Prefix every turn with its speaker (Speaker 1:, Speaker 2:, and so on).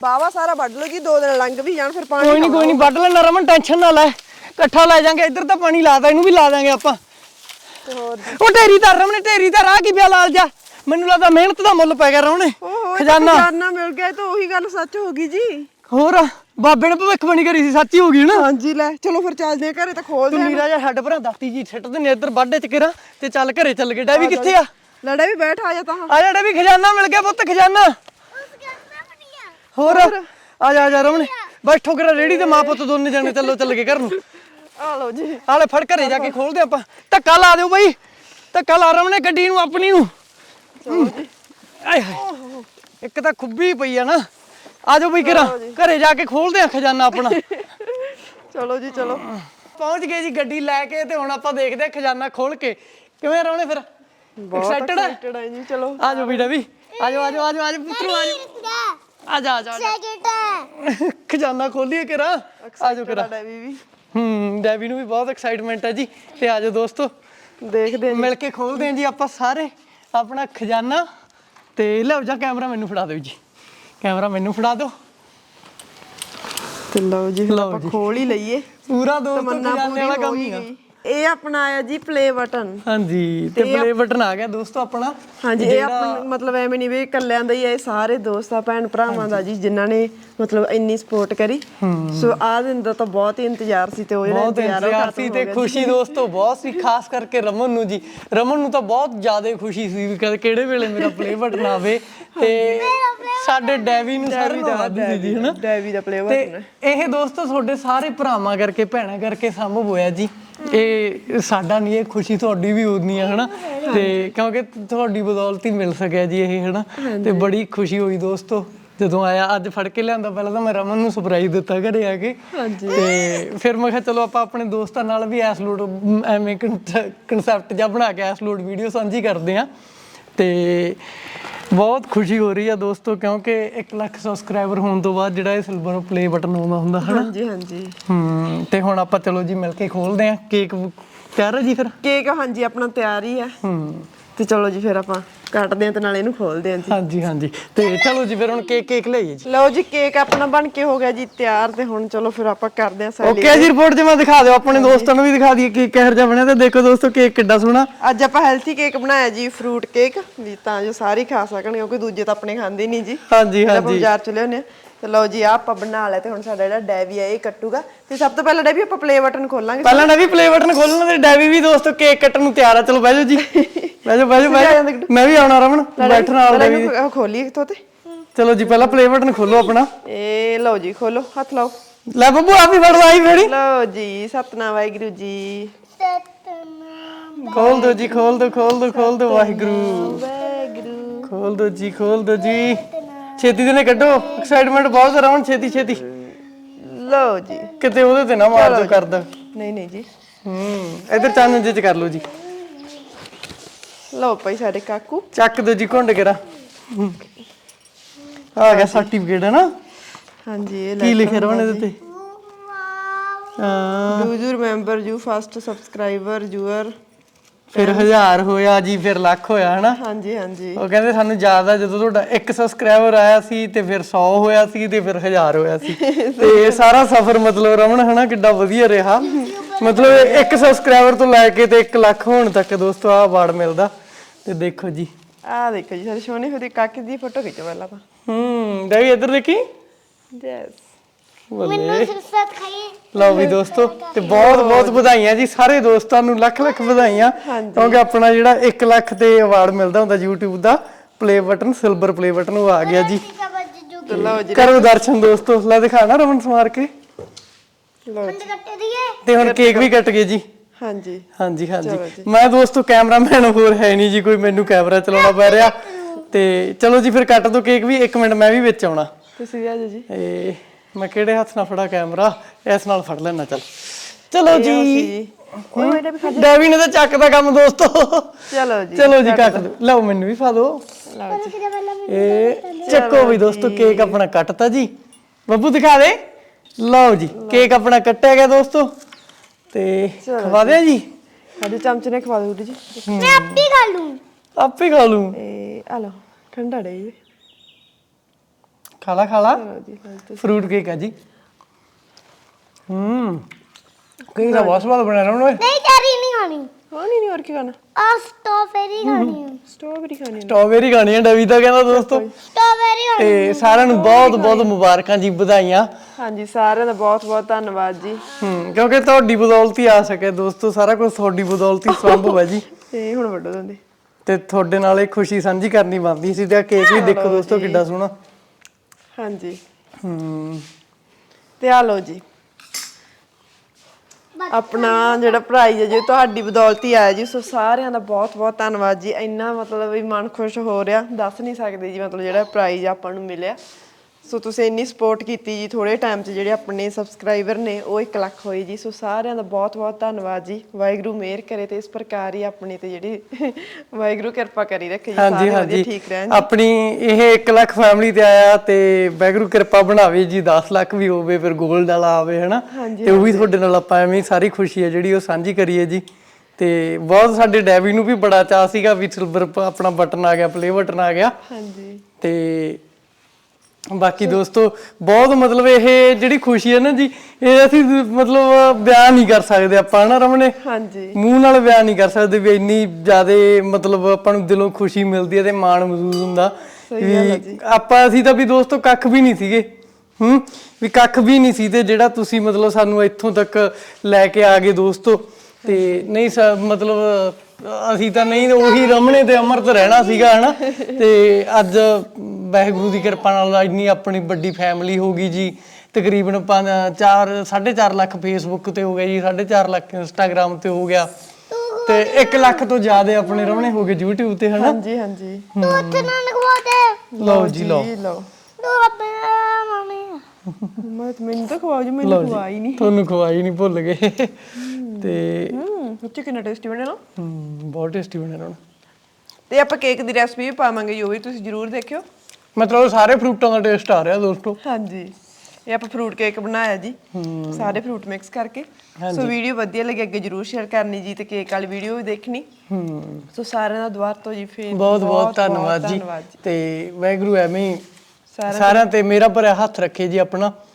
Speaker 1: ਬਾਵਾ ਸਾਰਾ ਵੱਢ ਲਓ ਜੀ 2 ਦਿਨ ਲੰਘ ਵੀ ਜਾਣ ਫਿਰ ਪਾਣੀ
Speaker 2: ਕੋਈ ਨਹੀਂ ਵੱਢ ਲੈਣਾ ਰਮਨ ਟੈਨਸ਼ਨ ਨਾ ਲੈ ਇਕੱਠਾ ਲੈ ਜਾਾਂਗੇ ਇੱਧਰ ਤਾਂ ਪਾਣੀ ਲਾਦਾ ਇਹਨੂੰ ਵੀ ਲਾ ਦਾਂਗੇ ਆਪਾਂ ਉਹ ਢੇਰੀ ਦਾ ਰਮਨ ਢੇਰੀ ਦਾ ਰਾਹ ਕੀ ਪਿਆ ਲਾਲ ਜਾ ਮੈਨੂੰ ਲੱਗਦਾ ਮਿਹਨਤ ਦਾ ਮੁੱਲ ਪੈ ਗਿਆ ਰਮਨ
Speaker 1: ਖਜ਼ਾਨਾ ਮਿਲ ਗਿਆ ਤਾਂ ਉਹੀ ਗੱਲ ਸੱਚ ਹੋ ਗਈ ਜੀ
Speaker 2: ਹੋਰ ਬਾਬੇ ਨੇ ਭਵਿੱਖਬਾਣੀ ਕਰੀ ਸੀ ਸੱਚੀ ਹੋ ਗਈ ਨਾ
Speaker 1: ਹਾਂਜੀ ਲੈ ਚਲੋ ਫਿਰ ਚੱਲਦੇ ਆ ਘਰੇ ਤਾਂ ਖੋਲਦੇ ਆ
Speaker 2: ਨੀਰਾ ਜਾ ਛੱਡ ਭਰਾ ਦਾਤੀ ਜੀ ਛੱਟ ਦੇ ਇੱਧਰ ਵਾਢੇ ਚ ਕਿਰਾ ਤੇ ਚੱਲ ਘਰੇ ਚੱਲ ਗਏ ਡੈਵੀ ਕਿੱਥੇ ਆ
Speaker 1: ਲੜਾ ਵੀ ਬੈਠ ਆ ਜਾ ਤਾਂ
Speaker 2: ਆ ਜਾ ਡੈਵੀ ਖਜ਼ਾਨਾ ਮਿਲ ਗਿਆ ਪੁੱਤ ਖਜ਼ਾਨਾ ਹੋਰ ਆ ਜਾ ਰਮਨ ਬੈਠੋ ਕਰਾ ਰੇੜੀ ਤੇ ਮਾਂ ਪੁੱਤ ਦੋਨੇ ਜਾਣੇ ਚੱਲ ਗਏ ਘਰ ਨੂੰ
Speaker 1: ਆ ਲਓ ਜੀ
Speaker 2: ਆਲੇ ਫੜ ਘਰੇ ਜਾ ਕੇ ਖੋਲਦੇ ਆਪਾਂ ਧੱਕਾ ਲਾ ਦਿਓ ਬਾਈ ਧੱਕਾ ਲਾ ਰਮਨੇ ਗੱਡੀ ਨੂੰ ਆਪਣੀ ਨੂੰ
Speaker 1: ਚਲੋ ਜੀ
Speaker 2: ਆਏ ਹਾਏ ਇੱਕ ਤਾਂ ਖੁੱਬੀ ਪਈ ਆ ਨਾ ਆ ਜਾਓ ਬਈ ਕਿਰਾ ਘਰੇ ਜਾ ਕੇ ਖੋਲਦੇ ਆ ਖਜ਼ਾਨਾ ਆਪਣਾ
Speaker 1: ਚਲੋ ਜੀ ਚਲੋ
Speaker 2: ਪਹੁੰਚ ਗਏ ਜੀ ਗੱਡੀ ਲੈ ਕੇ ਤੇ ਹੁਣ ਆਪਾਂ ਦੇਖਦੇ ਆ ਖਜ਼ਾਨਾ ਖੋਲ ਕੇ ਕਿਵੇਂ ਰਮਨੇ ਫਿਰ ਐਕਸਾਈਟਡ
Speaker 1: ਹੈ ਜੀ ਚਲੋ
Speaker 2: ਆ ਜਾਓ ਬੇਟਾ ਵੀ ਆ ਜਾਓ ਪੁੱਤਰੋ ਆ ਜਾ ਖਜ਼ਾਨਾ ਖੋਲੀਏ ਕਿਰਾ ਆ ਜਾਓ ਕਿਰਾ
Speaker 1: ਡੈਵੀ ਵੀ
Speaker 2: ਡੈਵੀ ਨੂੰ ਵੀ ਬਹੁਤ ਐਕਸਾਈਟਮੈਂਟ ਹੈ ਜੀ ਤੇ ਆ ਜਾਓ ਦੋਸਤੋ
Speaker 1: ਦੇਖਦੇ ਆ
Speaker 2: ਮਿਲ ਕੇ ਖੋਲਦੇ ਆਂ ਜੀ ਆਪਾਂ ਸਾਰੇ ਆਪਣਾ ਖਜ਼ਾਨਾ ਤੇ ਲਓ ਜਾ ਕੈਮਰਾ ਮੈਨੂੰ ਫੜਾ ਦਿਓ ਜੀ ਕੈਮਰਾ ਮੈਨੂੰ ਫੜਾ ਦਿਓ
Speaker 1: ਤੇ ਲਓ ਜੀ ਆਪਾਂ ਖੋਲ ਹੀ ਲਈਏ
Speaker 2: ਪੂਰਾ ਦੋਸਤੋ ਖਜ਼ਾਨੇ ਵਾਲਾ ਕੰਮ ਹੀ ਆ
Speaker 1: ਇਹ ਆਪਣਾ ਆਇਆ ਜੀ ਪਲੇ ਬਟਨ
Speaker 2: ਹਾਂਜੀ ਤੇ ਪਲੇ ਬਟਨ ਆ ਗਿਆ ਦੋਸਤੋ ਆਪਣਾ
Speaker 1: ਹਾਂਜੀ ਇਹ ਆਪਣਾ ਮਤਲਬ ਐਵੇਂ ਨਹੀਂ ਵੀ ਇਕੱਲਿਆਂ ਦਾ ਹੀ ਇਹ ਸਾਰੇ ਦੋਸਤਾਂ ਭੈਣ ਭਰਾਵਾਂ ਦਾ ਜੀ ਜਿਨ੍ਹਾਂ ਨੇ ਮਤਲਬ ਇੰਨੀ ਸਪੋਰਟ ਕਰੀ ਸੋ ਆਹ ਦਿਨ ਦਾ ਤਾਂ ਬਹੁਤ ਹੀ ਇੰਤਜ਼ਾਰ ਸੀ ਤੇ ਉਹ ਜਿਹੜਾ
Speaker 2: ਇੰਤਜ਼ਾਰ ਸੀ ਤੇ ਖੁਸ਼ੀ ਦੋਸਤੋ ਬਹੁਤ ਸੀ ਖਾਸ ਕਰਕੇ ਰਮਨ ਨੂੰ ਜੀ ਰਮਨ ਨੂੰ ਤਾਂ ਬਹੁਤ ਜ਼ਿਆਦਾ ਖੁਸ਼ੀ ਸੀ ਵੀ ਕਿਹੜੇ ਵੇਲੇ ਮੇਰਾ ਪਲੇ ਬਟਨ ਆਵੇ ਤੇ ਸਾਡੇ ਡੈਵੀ ਨੂੰ ਸਾਰੇ ਨੂੰ ਸੀ ਜੀ ਹਨਾ
Speaker 1: ਡੈਵੀ ਦਾ ਪਲੇ ਬਟਨ
Speaker 2: ਇਹ ਦੋਸਤੋ ਤੁਹਾਡੇ ਸਾਰੇ ਭਰਾਵਾਂ ਕਰਕੇ ਭੈਣਾਂ ਕਰਕੇ ਸੰਭਵ ਹੋਇਆ ਜੀ ਇਹ ਸਾਡਾ ਨਹੀਂ ਇਹ ਖੁਸ਼ੀ ਤੁਹਾਡੀ ਵੀ ਹੋਣੀ ਆ ਹਨਾ ਤੇ ਕਿਉਂਕਿ ਤੁਹਾਡੀ ਬਦੌਲਤ ਹੀ ਮਿਲ ਸਕਿਆ ਜੀ ਇਹ ਹਨਾ ਤੇ ਬੜੀ ਖੁਸ਼ੀ ਹੋਈ ਦੋਸਤੋ ਜਦੋਂ ਆਇਆ ਅੱਜ ਫੜ ਕੇ ਲਿਆਂਦਾ ਪਹਿਲਾਂ ਤਾਂ ਮੈਂ ਰਮਨ ਨੂੰ ਸਰਪ੍ਰਾਈਜ਼ ਦਿੱਤਾ ਘਰੇ ਆ ਕੇ ਤੇ ਫਿਰ ਮੈਂ ਕਿਹਾ ਚਲੋ ਆਪਾਂ ਆਪਣੇ ਦੋਸਤਾਂ ਨਾਲ ਵੀ ਐਸ ਲੋਡ ਐਵੇਂ ਕਨਸੈਪਟ ਜਿਹਾ ਬਣਾ ਕੇ ਐਸ ਲੋਡ ਵੀਡੀਓ ਸਾਂਝੀ ਕਰਦੇ ਆ ਤੇ ਬਹੁਤ ਖੁਸ਼ੀ ਹੋ ਰਹੀ ਆ ਦੋਸਤੋ ਕਿਉਂਕਿ 1 ਲੱਖ ਸਬਸਕ੍ਰਾਈਬਰ ਹੋਣ ਤੋਂ ਬਾਅਦ ਜਿਹੜਾ ਇਹ ਸਿਲਵਰ ਪਲੇ ਬਟਨ ਆਉਂਦਾ ਹੁੰਦਾ ਹਨਾ
Speaker 1: ਹਾਂਜੀ
Speaker 2: ਤੇ ਹੁਣ ਆਪਾਂ ਚਲੋ ਜੀ ਮਿਲ ਕੇ ਖੋਲਦੇ ਆ ਕੇਕ ਤਿਆਰ ਹੈ ਜੀ ਫਿਰ
Speaker 1: ਕੇਕ ਹਾਂਜੀ ਆਪਣਾ ਤਿਆਰ ਹੀ ਆ ਤੇ ਚਲੋ ਜੀ ਫਿਰ ਆਪਾਂ ਕੱਟਦੇ ਆ ਤੇ ਨਾਲ ਇਹਨੂੰ ਖੋਲਦੇ ਆ ਜੀ
Speaker 2: ਹਾਂਜੀ ਤੇ ਚਲੋ ਜੀ ਫਿਰ ਹੁਣ ਕੇਕ ਲਈਏ ਜੀ
Speaker 1: ਲਓ ਜੀ ਕੇਕ ਆਪਣਾ ਬਣ ਕੇ ਹੋ ਗਿਆ ਜੀ ਤਿਆਰ ਤੇ ਹੁਣ ਚਲੋ ਫਿਰ ਆਪਾਂ ਕਰਦੇ ਆ ਸੈਲੀਬ੍ਰੇਟ
Speaker 2: ਓਕੇ ਜੀ ਰਿਪੋਰਟ ਜਮਾ ਦਿਖਾ ਦਿਓ ਆਪਣੇ ਦੋਸਤਾਂ ਨੂੰ ਵੀ ਦਿਖਾ ਦਈਏ ਕੇਕ ਕਿਹੋ ਜਿਹਾ ਬਣਿਆ ਤੇ ਦੇਖੋ ਦੋਸਤੋ ਕੇਕ ਕਿੱਡਾ ਸੋਹਣਾ
Speaker 1: ਅੱਜ ਆਪਾਂ ਹੈਲਥੀ ਕੇਕ ਬਣਾਇਆ ਜੀ ਫਰੂਟ ਕੇਕ ਵੀ ਤਾਂ ਜੋ ਸਾਰੇ ਖਾ ਸਕਣ ਕਿਉਂਕਿ ਦੂਜੇ ਤਾਂ ਆਪਣੇ ਖਾਂਦੇ ਨਹੀਂ ਜੀ
Speaker 2: ਹਾਂਜੀ
Speaker 1: ਆਪਾਂ ਬਾਜ਼ਾਰ ਚ ਲਿਆਉਂਦੇ ਆ ਤੇ ਲਓ ਜੀ ਆ ਆਪਾਂ ਬਣਾ ਲਿਆ ਤੇ ਹੁਣ ਸਾਡਾ ਜਿਹੜਾ ਡੈਵੀ ਆ ਇਹ ਕੱਟੂਗਾ ਤੇ ਸਭ ਤੋਂ ਪਹਿਲਾਂ ਡੈਵੀ ਆਪਾਂ ਪਲੇ ਬਟਨ ਖੋਲਾਂਗੇ
Speaker 2: ਪਹਿਲਾਂ ਡੈਵੀ ਪਲੇ ਬਟਨ ਖੋਲਣਾ ਤੇ ਡੈਵੀ ਵੀ ਦੋਸਤੋ ਕੇਕ ਕੱਟਣ ਨੂੰ ਤਿਆਰ ਆ ਚਲੋ ਬਹਿ ਜਾਓ ਜੀ ਬਹਿ ਜਾਓ ਮੈਂ ਵੀ ਆਉਣਾ ਰਮਨ ਬੈਠਣ ਨਾਲ ਡੈਵੀ
Speaker 1: ਖੋਲੀਏ ਕਿੱਥੋਂ ਤੇ
Speaker 2: ਚਲੋ ਜੀ ਪਹਿਲਾਂ ਪਲੇ ਬਟਨ ਖੋਲੋ ਆਪਣਾ
Speaker 1: ਇਹ ਲਓ ਜੀ ਖੋਲੋ ਹੱਥ ਲਾਓ
Speaker 2: ਲੈ ਬੱਬੂ ਆ ਵੀ ਫੜ ਲਾਈ ਫੇੜੀ
Speaker 1: ਲਓ ਜੀ ਸਤਨਾਮ ਵਾਹਿਗੁਰੂ ਜੀ
Speaker 2: ਖੋਲ ਦੋ ਜੀ ਖੋਲ ਦੋ ਵਾਹਿਗੁਰੂ ਖੋਲ ਦੋ ਜੀ ਛੇਤੀ ਦੇ ਨੇ ਕੱਢੋ ਐਕਸਾਈਟਮੈਂਟ ਬਹੁਤ ਜ਼ਰਾ ਹੁਣ ਛੇਤੀ
Speaker 1: ਲਓ ਜੀ
Speaker 2: ਕਿਤੇ ਉਹਦੇ ਤੇ ਨਾ ਮਾਰ ਦੋ ਕਰਦਾ
Speaker 1: ਨਹੀਂ ਜੀ
Speaker 2: ਇਧਰ ਚੰਨ ਜਿਹੇ ਚ ਕਰ ਲਓ ਜੀ
Speaker 1: ਲਓ ਭਾਈ ਸਾਡੇ ਕਾਕੂ
Speaker 2: ਚੱਕ ਦੋ ਜੀ ਘੁੰਡ ਕੇਰਾ ਆ ਗਿਆ ਸਰਟੀਫਿਕੇਟ ਹੈ ਨਾ
Speaker 1: ਹਾਂਜੀ ਇਹ
Speaker 2: ਕੀ ਲਿਖਿਆ ਰਵਣ ਇਹਦੇ ਤੇ
Speaker 1: do you remember you first subscriber your
Speaker 2: ਫਿਰ 1000 ਹੋਇਆ ਜੀ ਫਿਰ ਲੱਖ ਹੋਇਆ ਹਨਾ
Speaker 1: ਹਾਂਜੀ
Speaker 2: ਉਹ ਕਹਿੰਦੇ ਸਾਨੂੰ ਯਾਦ ਆ ਜਦੋਂ ਤੁਹਾਡਾ 1 ਸਬਸਕ੍ਰਾਈਬਰ ਆਇਆ ਸੀ ਤੇ ਫਿਰ 100 ਹੋਇਆ ਸੀ ਤੇ ਫਿਰ 1000 ਹੋਇਆ ਸੀ ਤੇ ਇਹ ਸਾਰਾ ਸਫ਼ਰ ਮਤਲਬ ਰਮਨ ਹਨਾ ਕਿੱਡਾ ਵਧੀਆ ਰਿਹਾ ਮਤਲਬ 1 ਸਬਸਕ੍ਰਾਈਬਰ ਤੋਂ ਲੈ ਕੇ ਤੇ 1 ਲੱਖ ਹੋਣ ਤੱਕ ਦੋਸਤੋ ਆਹ ਅਵਾਰਡ ਮਿਲਦਾ ਤੇ ਦੇਖੋ ਜੀ
Speaker 1: ਆਹ ਦੇਖੋ ਜੀ ਸਾਡੇ ਸੋਹਣੇ ਹੋਏ ਕਾਕੇ ਦੀ ਫੋਟੋ ਖਿੱਚੋ ਪਹਿਲਾਂ ਤਾਂ
Speaker 2: ਡੈਵੀ ਇੱਧਰ ਦੇਖੀ
Speaker 1: ਯੈਸ
Speaker 2: ਮੈਨੂੰ ਸਿਰਫ ਖਾਈ ਲਓ ਵੀ ਦੋਸਤੋ ਤੇ ਬਹੁਤ ਵਧਾਈਆਂ ਜੀ ਸਾਰੇ ਦੋਸਤਾਂ ਨੂੰ ਲੱਖ ਵਧਾਈਆਂ ਕਿਉਂਕਿ ਆਪਣਾ ਜਿਹੜਾ 1 ਲੱਖ ਤੇ ਅਵਾਰਡ ਮਿਲਦਾ ਹੁੰਦਾ YouTube ਦਾ play button silver play button ਉਹ ਆ ਗਿਆ ਜੀ ਕਰੋ ਦਰਸ਼ਨ ਦੋਸਤੋ ਲੈ ਦਿਖਾਣਾ ਰਮਨ ਸਮਾਰ ਕੇ ਤੇ ਹੁਣ ਕੇਕ ਵੀ ਕੱਟ ਗਏ ਜੀ ਹਾਂਜੀ ਮੈਂ ਦੋਸਤੋ ਕੈਮਰਾਮੈਨ ਹੋਰ ਹੈ ਨਹੀਂ ਜੀ ਕੋਈ ਮੈਨੂੰ ਕੈਮਰਾ ਚਲਾਉਣਾ ਪੈ ਰਿਹਾ ਤੇ ਚਲੋ ਜੀ ਫਿਰ ਕੱਟ ਦੋ ਕੇਕ ਵੀ 1 ਮਿੰਟ ਮੈਂ ਵੀ ਵਿੱਚ ਆਉਣਾ
Speaker 1: ਤੁਸੀਂ ਆ ਜਾਓ ਜੀ
Speaker 2: ਮੈਂ ਕਿਹੜੇ ਹੱਥ ਨਾਲ ਫੜਾ ਕੈਮਰਾ ਇਸ ਨਾਲ ਫੜ ਲੈਣਾ ਚਲੋ ਜੀ ਡੈਵੀ ਨੇ ਤਾਂ ਚੱਕਦਾ ਕੰਮ ਦੋਸਤੋ ਚਲੋ ਜੀ ਕੱਟ ਦੋ ਲਓ ਮੈਨੂੰ ਵੀ ਫਾ ਦਿਓ ਇਹ ਚੱਕੋ ਵੀ ਦੋਸਤੋ ਕੇਕ ਆਪਣਾ ਕੱਟਤਾ ਜੀ ਬੱਬੂ ਦਿਖਾ ਦੇ ਲਓ ਜੀ ਕੇਕ ਆਪਣਾ ਕੱਟਿਆ ਗਿਆ ਦੋਸਤੋ ਤੇ ਖਵਾ ਦਿਆਂ ਜੀ
Speaker 1: ਸਾਡੇ ਚਮਚ ਨੇ ਖਵਾ ਦਿਓ ਜੀ
Speaker 3: ਮੈਂ ਆਪੇ ਖਾ ਲੂੰ
Speaker 2: ਇਹ ਆ ਲਓ ਠੰਡਾ ਡੇ ਖਾ ਲਾ
Speaker 1: ਜੀ
Speaker 2: ਫਰੂਟ ਕੇਕ ਆ ਜੀ। ਕਈ ਦਾ ਬਹੁਤ ਸਵਾਦ ਬਣਿਆ ਰਮਣ ਓਏ।
Speaker 3: ਨਹੀਂ ਚੈਰੀ ਨਹੀਂ ਖਾਣੀ
Speaker 1: ਨਹੀਂ ਹੋਰ ਕੀ ਖਾਣਾ
Speaker 3: ਆ ਸਟ੍ਰਾਬੇਰੀ ਖਾਣੀ
Speaker 1: ਸਟ੍ਰਾਬੇਰੀ ਖਾਣੀ
Speaker 2: ਸਟ੍ਰਾਬੇਰੀ ਖਾਣੀ ਹੈ ਡਵੀ ਤਾਂ ਕਹਿੰਦਾ ਦੋਸਤੋ।
Speaker 3: ਸਟ੍ਰਾਬੇਰੀ ਖਾਣੀ
Speaker 2: ਤੇ ਸਾਰਿਆਂ ਨੂੰ ਬਹੁਤ ਬਹੁਤ ਮੁਬਾਰਕਾਂ ਜੀ, ਵਧਾਈਆਂ।
Speaker 1: ਹਾਂਜੀ ਸਾਰਿਆਂ ਦਾ ਬਹੁਤ ਬਹੁਤ ਧੰਨਵਾਦ ਜੀ।
Speaker 2: ਕਿਉਂਕਿ ਤੁਹਾਡੀ ਬਦੌਲਤ ਹੀ ਆ ਸਕਿਆ ਦੋਸਤੋ, ਸਾਰਾ ਕੁਝ ਤੁਹਾਡੀ ਬਦੌਲਤ ਹੀ ਸੰਭਵ ਹੈ ਜੀ।
Speaker 1: ਤੇ ਹੁਣ ਵੱਡੋ ਦਿੰਦੇ
Speaker 2: ਤੇ ਤੁਹਾਡੇ ਨਾਲ ਇਹ ਖੁਸ਼ੀ ਸਾਂਝੀ ਕਰਨੀ ਬਣਦੀ ਸੀ। ਤੇ ਕੇਕ ਵੀ ਦੇਖੋ ਦੋਸਤੋ ਕਿੱਡਾ ਸੋਹਣਾ।
Speaker 1: ਹਾਂਜੀ ਤੇ ਆ ਲਓ ਜੀ ਆਪਣਾ ਜਿਹੜਾ ਪ੍ਰਾਈਜ਼ ਹੈ ਜੀ ਤੁਹਾਡੀ ਬਦੌਲਤ ਹੀ ਆਇਆ ਜੀ। ਸੋ ਸਾਰਿਆਂ ਦਾ ਬਹੁਤ ਬਹੁਤ ਧੰਨਵਾਦ ਜੀ। ਇੰਨਾ ਮਤਲਬ ਵੀ ਮਨ ਖੁਸ਼ ਹੋ ਰਿਹਾ, ਦੱਸ ਨਹੀਂ ਸਕਦੇ ਜੀ। ਮਤਲਬ ਜਿਹੜਾ ਪ੍ਰਾਈਜ਼ ਆਪਾਂ ਨੂੰ ਮਿਲਿਆ, ਸੋ ਤੁਸੀਂ ਇੰਨੀ ਸਪੋਰਟ ਕੀਤੀ ਜੀ। ਥੋੜੇ ਟਾਈਮ 'ਚ ਜਿਹੜੇ ਆਪਣੇ ਸਬਸਕ੍ਰਾਈਬਰ ਨੇ ਉਹ 1 ਲੱਖ ਹੋਏ ਜੀ। ਸੋ ਸਾਰਿਆਂ ਦਾ ਬਹੁਤ ਬਹੁਤ ਧੰਨਵਾਦ ਜੀ। ਵਾਹਿਗੁਰੂ ਮਿਹਰ ਕਰੇ ਤੇ ਇਸ ਪ੍ਰਕਾਰ ਹੀ ਆਪਣੇ ਤੇ ਜਿਹੜੀ ਵਾਹਿਗੁਰੂ ਕਿਰਪਾ ਕਰੀ ਰੱਖੇ ਜੀ। ਸਾਰੇ ਵਧੀਆ ਠੀਕ ਰਹਿਣ।
Speaker 2: ਆਪਣੀ ਇਹ 1 ਲੱਖ ਫੈਮਿਲੀ ਤੇ ਆਇਆ ਤੇ ਵਾਹਿਗੁਰੂ ਕਿਰਪਾ ਬਣਾਵੇ ਜੀ। 10 ਲੱਖ ਵੀ ਹੋਵੇ, ਫਿਰ ਗੋਲਡ ਵਾਲਾ ਆਵੇ ਹਨਾ। ਤੇ ਉਹ ਵੀ ਤੁਹਾਡੇ ਨਾਲ ਆਪਾਂ ਐਵੇਂ ਸਾਰੀ ਖੁਸ਼ੀ ਹੈ ਜਿਹੜੀ ਉਹ ਸਾਂਝੀ ਕਰੀਏ ਜੀ। ਤੇ ਬਹੁਤ ਸਾਡੇ ਡੈਵੀ ਨੂੰ ਵੀ ਬੜਾ ਚਾਅ ਸੀਗਾ ਵੀ ਸਿਲਵਰ ਆਪਣਾ ਬਟਨ ਆ ਗਿਆ, ਪਲੇ ਬਟਨ ਆ ਗਿਆ।
Speaker 1: ਹਾਂਜੀ
Speaker 2: ਤੇ ਬਾਕੀ ਦੋਸਤੋ ਬਹੁਤ ਮਤਲਬ ਇਹ ਜਿਹੜੀ ਖੁਸ਼ੀ ਹੈ ਨਾ ਜੀ, ਇਹ ਅਸੀਂ ਮਤਲਬ ਬਿਆਨ ਨਹੀਂ ਕਰ ਸਕਦੇ ਆਪਾਂ ਹਨਾ ਰਮਣੇ।
Speaker 1: ਹਾਂਜੀ
Speaker 2: ਮੂੰਹ ਨਾਲ ਬਿਆਨ ਨਹੀਂ ਕਰ ਸਕਦੇ ਵੀ ਇੰਨੀ ਜ਼ਿਆਦਾ ਮਤਲਬ ਆਪਾਂ ਨੂੰ ਦਿਲੋਂ ਖੁਸ਼ੀ ਮਿਲਦੀ ਹੈ ਤੇ ਮਾਣ ਮਹਿਸੂਸ ਹੁੰਦਾ ਵੀ ਅਸੀਂ ਤਾਂ ਵੀ ਦੋਸਤੋ ਕੱਖ ਵੀ ਨਹੀਂ ਸੀਗੇ। ਵੀ ਕੱਖ ਵੀ ਨਹੀਂ ਸੀ ਤੇ ਜਿਹੜਾ ਤੁਸੀਂ ਮਤਲਬ ਸਾਨੂੰ ਇੱਥੋਂ ਤੱਕ ਲੈ ਕੇ ਆ ਗਏ ਦੋਸਤੋ। ਤੇ ਨਹੀਂ ਮਤਲਬ ਅਸੀਂ ਤਾਂ ਨਹੀਂ ਉਹੀ ਰਮਣੇ ਤੇ ਅਮਰਤ ਰਹਿਣਾ ਸੀਗਾ ਹਨਾ। ਤੇ ਅੱਜ ਵਾਹਿਗੁਰੂ ਦੀ ਕਿਰਪਾ ਨਾਲ ਇੰਨੀ ਆਪਣੀ ਵੱਡੀ ਫੈਮਿਲੀ ਹੋ ਗਈ ਜੀ। ਤਕਰੀਬਨ 4.5 ਲੱਖ ਫੇਸਬੁੱਕ ਤੇ ਹੋ ਗਿਆ ਜੀ, 4.5 ਲੱਖ ਇੰਸਟਾਗ੍ਰਾਮ ਤੇ ਹੋ ਗਿਆ ਤੇ 1 ਲੱਖ ਤੋਂ ਜ਼ਿਆਦਾ ਆਪਣੇ ਰਮਣੇ ਹੋ ਗਏ YouTube ਤੇ ਹਨਾ।
Speaker 1: ਹਾਂਜੀ ਹਾਂਜੀ
Speaker 3: ਤੂੰ ਉੱਥੇ ਨਾ ਨਖਵਾ ਦੇ।
Speaker 2: ਲਓ ਜੀ ਲਓ
Speaker 3: ਤੂੰ ਆਪੇ ਮਾਮੀ
Speaker 1: ਮੈਨੂੰ ਤਾਂ ਖਵਾਓ ਜੀ, ਮੈਨੂੰ ਖਵਾਈ ਨਹੀਂ।
Speaker 2: ਤੁਹਾਨੂੰ ਖਵਾਈ ਨਹੀਂ, ਭੁੱਲ ਗਏ। ਤੇ
Speaker 1: ਉੱਚੇ ਕਿੰਨਾ ਟੇਸਟੀ ਬਣਿਆ ਨਾ।
Speaker 2: ਬਹੁਤ ਟੇਸਟੀ ਬਣਿਆ ਰਮਣ।
Speaker 1: ਤੇ ਆਪਾਂ ਕੇਕ ਦੀ ਰੈਸਪੀ ਵੀ ਪਾਵਾਂਗੇ ਜੀ, ਉਹ ਵੀ ਤੁਸੀਂ ਜਰੂਰ ਦੇਖਿਓ।
Speaker 2: ਮਤਲਬ ਸਾਰੇ ਫਰੂਟਾਂ ਦਾ ਟੇਸਟ ਆ ਰਿਹਾ ਦੋਸਤੋ।
Speaker 1: ਹਾਂਜੀ ਇਹ ਆਪਾਂ ਫਰੂਟ ਕੇਕ ਬਣਾਇਆ ਜੀ, ਸਾਰੇ ਫਰੂਟ ਮਿਕਸ ਕਰਕੇ। ਸੋ ਵੀਡੀਓ ਵਧੀਆ ਲੱਗੀ ਅੱਗੇ ਜਰੂਰ ਸ਼ੇਅਰ ਕਰਨੀ ਜੀ ਤੇ ਕੇਕ ਵਾਲੀ ਵੀਡੀਓ ਵੀ ਦੇਖਣੀ। ਸੋ ਸਾਰਿਆਂ ਦਾ ਦੁਬਾਰਾ ਤੋਂ ਜੀ ਫੇਰ
Speaker 2: ਬਹੁਤ ਬਹੁਤ ਧੰਨਵਾਦ ਜੀ। ਤੇ ਵਾਹਿਗੁਰੂ ਐਵੇਂ ਸਾਰਿਆਂ ਤੇ ਮੇਰਾ ਭਰਿਆ ਹੱਥ ਰੱਖੇ ਜੀ ਆਪਣਾ।